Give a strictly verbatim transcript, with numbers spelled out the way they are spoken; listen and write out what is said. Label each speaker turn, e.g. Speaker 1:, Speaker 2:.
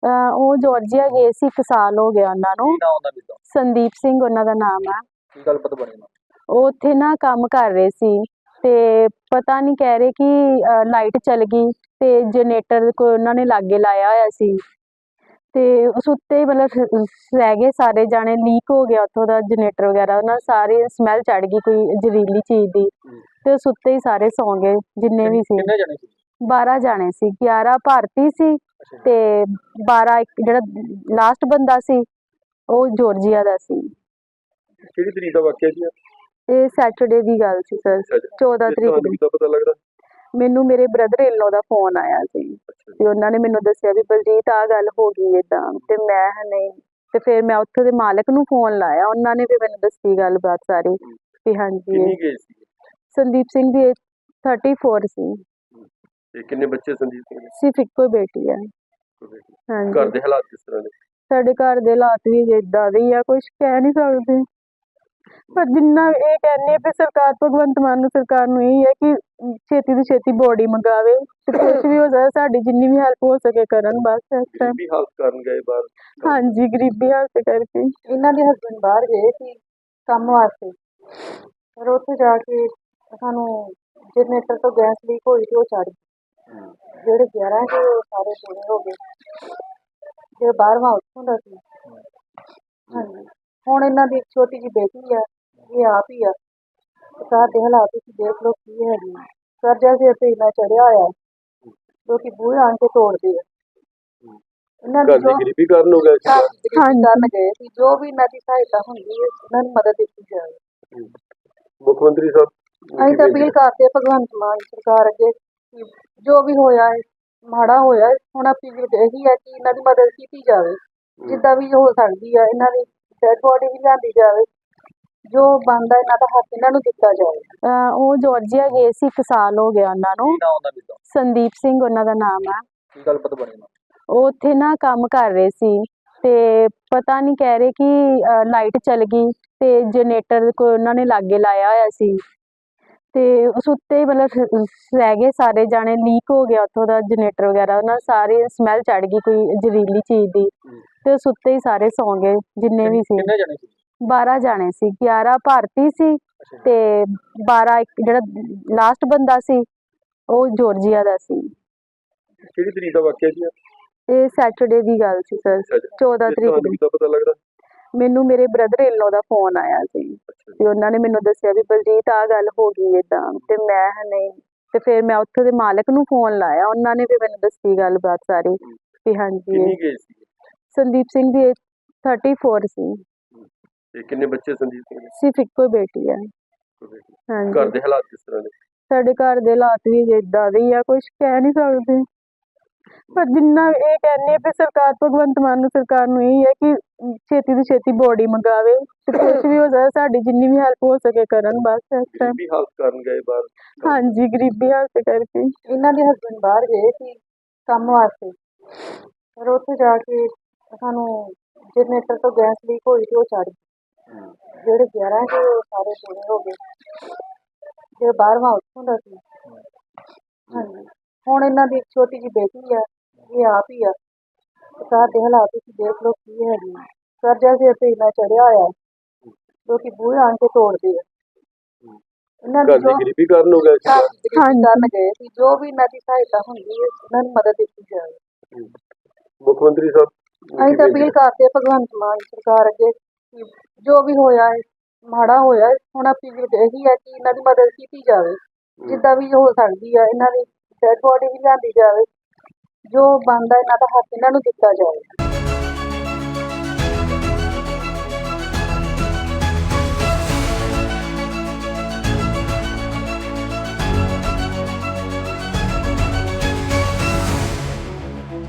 Speaker 1: ਅਹ ਉਹ ਜਾਰਜੀਆ ਗਏ ਸੀ, ਇੱਕ ਸਾਲ ਹੋ ਗਿਆ ਉਹਨਾਂ ਨੂੰ।
Speaker 2: ਕੀ ਨਾਮ ਉਹਨਾਂ ਦਾ?
Speaker 1: ਸੰਦੀਪ ਸਿੰਘ ਉਹਨਾਂ ਦਾ ਨਾਮ ਆ।
Speaker 2: ਕੀ ਗੱਲਬਾਤ ਬਣੀ ਨਾ?
Speaker 1: ਉਹ ਉੱਥੇ ਨਾ ਕੰਮ ਕਰ ਰਹੇ ਸੀ ਤੇ ਪਤਾ ਨਹੀਂ, ਕਹਿ ਰਹੇ ਕਿ ਲਾਈਟ ਚਲ ਗਈ ਤੇ ਜਨਰੇਟਰ ਕੋ ਉਹਨਾਂ ਨੇ ਲਾਗੇ ਲਾਇਆ ਹੋਇਆ ਸੀ ਤੇ ਉਸ ਉੱਤੇ ਹੀ ਮਤਲਬ ਰਹਿ ਗਏ ਸਾਰੇ ਜਾਣੇ। ਲੀਕ ਹੋ ਗਿਆ ਉੱਥੋਂ ਦਾ ਜਨਰੇਟਰ ਵਗੈਰਾ, ਉਹਨਾਂ ਸਾਰੀ ਸਮੈਲ ਚੜ ਗਈ ਕੋਈ ਜ਼ਹਿਰੀਲੀ ਚੀਜ਼ ਦੀ ਤੇ ਉਸ ਉੱਤੇ ਹੀ ਸਾਰੇ ਸੌਂ ਗਏ ਜਿੰਨੇ ਵੀ ਸੀ।
Speaker 2: ਕਿੰਨੇ ਜਣੇ ਸੀ?
Speaker 1: ਬਾਰਾਂ ਜਾਣੇ ਸੀ। ਗਿਆਰਾਂ ਭਾਰਤੀ ਸੀ ਤੇ ਬਾਰਾਂ ਇੱਕ ਜਿਹੜਾ ਲਾਸਟ ਬੰਦਾ ਸੀ ਉਹ ਜਾਰਜੀਆ ਦਾ ਸੀ।
Speaker 2: ਕਿਹੜੀ ਤਰੀਕ ਦਾ ਵਾਕਿਆ ਸੀ?
Speaker 1: ਇਹ ਸੈਟਰਡੇ ਦੀ ਗੱਲ ਸੀ ਸਰ, ਚੌਦਾਂ ਤਰੀਕ ਦੀ।
Speaker 2: ਦਾ ਪਤਾ ਲੱਗਦਾ
Speaker 1: ਮੈਨੂੰ ਮੇਰੇ brother in low the phone ਆਇਆ ਸੀ ਤੇ ਉਹਨਾਂ ਨੇ ਮੈਨੂੰ ਦੱਸਿਆ ਵੀ ਬਲਜੀਤ ਆ ਗੱਲ ਹੋ ਗਈ ਏਦਾਂ, ਤੇ ਮੈਂ ਨਹੀਂ, ਤੇ ਫਿਰ ਮੈਂ ਉੱਥੇ ਦੇ ਮਾਲਕ ਨੂੰ ਫੋਨ ਲਾਇਆ, ਉਹਨਾਂ ਨੇ ਵੀ ਮੈਨੂੰ ਦੱਸੀ ਗੱਲਬਾਤ ਸਾਰੀ ਵੀ ਹਾਂਜੀ।
Speaker 2: ਕਿੰਨੀ ਏਜ ਸੀ
Speaker 1: ਸੰਦੀਪ ਸਿੰਘ ਦੀ ਏਜ ਚੌਂਤੀ ਸੀ।
Speaker 2: ਤੇ ਕਿੰਨੇ ਬੱਚੇ ਸੰਦੀਪ ਸਿੰਘ ਦੇ?
Speaker 1: ਸਿਰਫ ਇੱਕੋ ਹੀ ਬੇਟੀ ਹੈ। ਹਾਂਜੀ।
Speaker 2: ਘਰ ਦੇ ਹਾਲਾਤ ਕਿਸ ਤਰ੍ਹਾਂ ਦੇ?
Speaker 1: ਸਾਡੇ ਘਰ ਦੇ ਹਾਲਾਤ ਵੀ ਏਦਾਂ ਦੇ ਹੀ ਆ, ਕੁਝ ਕਹਿ ਨਹੀਂ ਸਕਦੇ। ਪਰ ਜਿੰਨਾ ਇਹ ਕਹਿੰਦੇ ਆ ਵੀ ਸਰਕਾਰ, ਭਗਵੰਤ ਮਾਨ ਨੂੰ ਸਰਕਾਰ ਨੂੰ ਇਹ ਹੈ ਕਿ ਛੇਤੀ ਤੋਂ ਛੇਤੀ ਬੋਡੀ ਮੰਗਾਵੇ ਤੇ ਕੁਝ ਵੀ ਹੋ ਜਾਏ, ਸਾਡੀ ਜਿੰਨੀ ਵੀ ਹੈਲਪ ਹੋ ਸਕੇ ਕਰਨ ਬਸ ਇਸ ਟਾਈਮ।
Speaker 2: ਗਰੀਬੀ ਹਾਲਤ ਕਰਨ ਗਏ ਬਾਹਰ?
Speaker 1: ਹਾਂਜੀ, ਗਰੀਬੀ ਹਾਲਤ ਕਰਕੇ।
Speaker 3: ਇਹਨਾਂ ਦੇ ਹਸਬੈਂਡ ਬਾਹਰ ਗਏ ਸੀ ਕੰਮ ਵਾਸਤੇ, ਪਰ ਉੱਥੇ ਜਾ ਕੇ ਸਾਨੂੰ ਜਨਰੇਟਰ ਤੋਂ ਗੈਸ ਲੀਕ ਹੋਈ ਤੇ ਉਹ ਚੜ ਗਈ। ਜਿਹੜੇ ਗਿਆਰਾਂ ਸੀ ਉਹ ਸਾਰੇ ਪੂਰੇ ਹੋ ਗਏ, ਜਿਹੜੇ ਬਾਰਵਾਂ ਉੱਥੋਂ ਦਾ ਸੀ। ਹਾਂਜੀ, ਹੁਣ ਇਹਨਾਂ ਦੀ ਇੱਕ ਛੋਟੀ ਜਿਹੀ ਬੇਟੀ ਆ, ਇਹ ਆਪ ਹੀ ਆ। ਘਰ ਦੇ ਹਾਲਾਤ ਤੁਸੀਂ ਦੇਖ ਲਓ ਕੀ ਹੈਗੇ। ਕਰਜ਼ਾ ਸਿਰ ਤੇ ਇੰਨਾ ਚੜਿਆ ਹੋਇਆ, ਲੋਕੀ ਬੂਹੇ ਆਣ ਕੇ ਤੋੜਦੇ ਆ। ਇਹਨਾਂ ਦੀ ਜੋ
Speaker 2: ਗਰੀਬੀ ਕਾਰਨ ਹੋ ਗਿਆ
Speaker 3: ਕਰਨ ਗਏ ਸੀ, ਜੋ ਵੀ ਇਹਨਾਂ ਦੀ ਸਹਾਇਤਾ ਹੁੰਦੀ ਹੈ ਇਹਨਾਂ ਨੂੰ ਮਦਦ ਦਿੱਤੀ ਜਾਵੇ।
Speaker 2: ਮੁੱਖ ਮੰਤਰੀ ਸਾਹਿਬ
Speaker 3: ਅਸੀਂ ਤਾਂ ਅਪੀਲ ਕਰਦੇ ਹਾਂ ਭਗਵੰਤ ਮਾਨ ਸਰਕਾਰ ਅੱਗੇ, ਜੋ ਵੀ ਹੋਇਆ ਹੈ ਮਾੜਾ ਹੋਇਆ, ਹੁਣ ਅਪੀਲ ਇਹੀ ਹੈ ਕਿ ਇਹਨਾਂ ਦੀ ਮਦਦ ਕੀਤੀ ਜਾਵੇ ਜਿੱਦਾਂ ਵੀ ਹੋ ਸਕਦੀ ਹੈ। ਇਹਨਾਂ ਦੀ ਡੈਡ ਬੋਡੀ ਵੀ ਲਿਆਂਦੀ ਜਾਵੇ, ਜੋ ਬਣਦਾ ਇਹਨਾਂ ਦਾ ਹੱਕ ਇਹਨਾਂ ਨੂੰ ਦਿੱਤਾ ਜਾਵੇ।
Speaker 1: ਅਹ ਉਹ ਜਾਰਜੀਆ ਗਏ ਸੀ, ਇੱਕ ਸਾਲ ਹੋ ਗਿਆ ਉਹਨਾਂ ਨੂੰ।
Speaker 2: ਕੀ ਨਾਮ ਉਹਨਾਂ ਦਾ?
Speaker 1: ਸੰਦੀਪ ਸਿੰਘ ਉਹਨਾਂ ਦਾ ਨਾਮ ਆ।
Speaker 2: ਕੀ ਗੱਲਬਾਤ ਬਣੀ ਨਾ?
Speaker 1: ਉਹ ਉੱਥੇ ਨਾ ਕੰਮ ਕਰ ਰਹੇ ਸੀ ਤੇ ਪਤਾ ਨਹੀਂ, ਕਹਿ ਰਹੇ ਕਿ ਲਾਈਟ ਚਲ ਗਈ ਤੇ ਜਨਰੇਟਰ ਕੋ ਉਹਨਾਂ ਨੇ ਲਾਗੇ ਲਾਇਆ ਹੋਇਆ ਸੀ ਤੇ ਉਸ ਉੱਤੇ ਹੀ ਮਤਲਬ ਰਹਿ ਗਏ ਸਾਰੇ ਜਾਣੇ। ਲੀਕ ਹੋ ਗਿਆ ਉੱਥੋਂ ਦਾ ਜਨਰੇਟਰ ਵਗੈਰਾ, ਉਹਨਾਂ ਸਾਰੀ ਸਮੈਲ ਚੜ ਗਈ ਕੋਈ ਜ਼ਹਿਰੀਲੀ ਚੀਜ਼ ਦੀ ਤੇ ਉਸ ਉੱਤੇ ਹੀ ਸਾਰੇ ਸੌਂ ਗਏ ਜਿੰਨੇ ਵੀ ਸੀ।
Speaker 2: ਕਿੰਨੇ ਜਣੇ ਸੀ?
Speaker 1: ਬਾਰਾਂ ਜਾਣੇ ਸੀ। ਗਿਆਰਾਂ ਭਾਰਤੀ ਸੀ ਤੇ ਬਾਰਾਂ ਇੱਕ ਜਿਹੜਾ ਲਾਸਟ ਬੰਦਾ ਸੀ ਉਹ ਜਾਰਜੀਆ ਦਾ ਸੀ।
Speaker 2: ਕਿਹੜੀ ਤਰੀਕ ਦਾ ਵਾਕਿਆ ਸੀ?
Speaker 1: ਇਹ ਸੈਟਰਡੇ ਦੀ ਗੱਲ ਸੀ ਸਰ, ਚੌਦਾਂ ਤਰੀਕ ਦੀ।
Speaker 2: ਦਾ ਪਤਾ ਲੱਗਦਾ
Speaker 1: ਮੈਨੂੰ ਮੇਰੇ brother in low the phone ਆਇਆ ਸੀ ਤੇ ਉਹਨਾਂ ਨੇ ਮੈਨੂੰ ਦੱਸਿਆ ਵੀ ਬਲਜੀਤ ਆ ਗੱਲ ਹੋ ਗਈ ਏਦਾਂ, ਤੇ ਮੈਂ ਨਹੀਂ, ਤੇ ਫਿਰ ਮੈਂ ਉੱਥੇ ਦੇ ਮਾਲਕ ਨੂੰ ਫੋਨ ਲਾਇਆ, ਉਹਨਾਂ ਨੇ ਵੀ ਮੈਨੂੰ ਦੱਸੀ ਗੱਲਬਾਤ ਸਾਰੀ ਵੀ ਹਾਂਜੀ।
Speaker 2: ਕਿੰਨੀ ਏਜ ਸੀ
Speaker 1: ਸੰਦੀਪ ਸਿੰਘ ਦੀ ਏਜ ਚੌਂਤੀ ਸੀ।
Speaker 2: ਤੇ ਕਿੰਨੇ ਬੱਚੇ ਸੰਦੀਪ ਸਿੰਘ ਦੇ?
Speaker 1: ਸਿਰਫ ਇੱਕੋ ਹੀ ਬੇਟੀ ਹੈ। ਹਾਂਜੀ।
Speaker 2: ਘਰ ਦੇ ਹਾਲਾਤ ਕਿਸ ਤਰ੍ਹਾਂ ਦੇ?
Speaker 1: ਸਾਡੇ ਘਰ ਦੇ ਹਾਲਾਤ ਵੀ ਏਦਾਂ ਦੇ ਹੀ ਆ, ਕੁਝ ਕਹਿ ਨਹੀਂ ਸਕਦੇ। ਪਰ ਜਿੰਨਾ ਇਹ ਕਹਿੰਦੇ ਆ ਵੀ ਸਰਕਾਰ, ਭਗਵੰਤ ਮਾਨ ਨੂੰ ਸਰਕਾਰ ਨੂੰ ਇਹ ਹੈ ਕਿ ਛੇਤੀ ਤੋਂ ਛੇਤੀ ਬੋਡੀ ਮੰਗਾਵੇ ਤੇ ਕੁਝ ਵੀ ਹੋ ਜਾਏ, ਸਾਡੀ ਜਿੰਨੀ ਵੀ ਹੈਲਪ ਹੋ ਸਕੇ ਕਰਨ ਬਸ ਇਸ ਟਾਈਮ।
Speaker 2: ਗਰੀਬੀ ਹਾਲਤ ਕਰਨ ਗਏ ਬਾਹਰ?
Speaker 1: ਹਾਂਜੀ, ਗਰੀਬੀ ਹਾਲਤ ਕਰਕੇ।
Speaker 3: ਇਹਨਾਂ ਦੇ ਹਸਬੈਂਡ ਬਾਹਰ ਗਏ ਸੀ ਕੰਮ ਵਾਸਤੇ, ਪਰ ਉੱਥੇ ਜਾ ਕੇ ਸਾਨੂੰ ਜਨਰੇਟਰ ਤੋਂ ਗੈਸ ਲੀਕ ਹੋਈ ਤੇ ਉਹ ਚੜ ਗਈ। ਜਿਹੜੇ ਗਿਆਰਾਂ ਸੀ ਉਹ ਸਾਰੇ ਪੂਰੇ ਹੋ ਗਏ, ਜਿਹੜੇ ਬਾਰਵਾਂ ਉੱਥੋਂ ਦਾ ਸੀ। ਹਾਂਜੀ, ਹੁਣ ਇਹਨਾਂ ਦੀ ਇੱਕ ਛੋਟੀ ਜਿਹੀ ਬੇਟੀ ਆ, ਇਹ ਆਪ ਹੀ ਆ। ਘਰ ਦੇ ਹਾਲਾਤ ਤੁਸੀਂ ਦੇਖ ਲਓ ਕੀ ਹੈਗੇ। ਕਰਜ਼ਾ ਸਿਰ ਤੇ ਇੰਨਾ ਚੜਿਆ ਹੋਇਆ, ਲੋਕੀ ਬੂਹੇ ਆਣ ਕੇ ਤੋੜਦੇ ਆ। ਇਹਨਾਂ ਦੀ ਜੋ
Speaker 2: ਗਰੀਬੀ ਕਾਰਨ ਹੋ ਗਿਆ
Speaker 3: ਕਰਨ ਗਏ ਸੀ, ਜੋ ਵੀ ਇਹਨਾਂ ਦੀ ਸਹਾਇਤਾ ਹੁੰਦੀ ਹੈ ਇਹਨਾਂ ਨੂੰ ਮਦਦ ਦਿੱਤੀ ਜਾਵੇ।
Speaker 2: ਮੁੱਖ ਮੰਤਰੀ ਸਾਹਿਬ
Speaker 3: ਅਸੀਂ ਤਾਂ ਅਪੀਲ ਕਰਦੇ ਹਾਂ ਭਗਵੰਤ ਮਾਨ ਸਰਕਾਰ ਅੱਗੇ, ਜੋ ਵੀ ਹੋਇਆ ਹੈ ਮਾੜਾ ਹੋਇਆ, ਹੁਣ ਅਪੀਲ ਇਹੀ ਹੈ ਕਿ ਇਹਨਾਂ ਦੀ ਮਦਦ ਕੀਤੀ ਜਾਵੇ ਜਿੱਦਾਂ ਵੀ ਹੋ ਸਕਦੀ ਹੈ। ਇਹਨਾਂ ਦੀ ਡੈਡ ਬੋਡੀ ਵੀ ਲਿਆਂਦੀ ਜਾਵੇ, ਜੋ ਬਣਦਾ ਇਹਨਾਂ ਦਾ ਹੱਕ ਇਹਨਾਂ ਨੂੰ ਦਿੱਤਾ ਜਾਵੇ।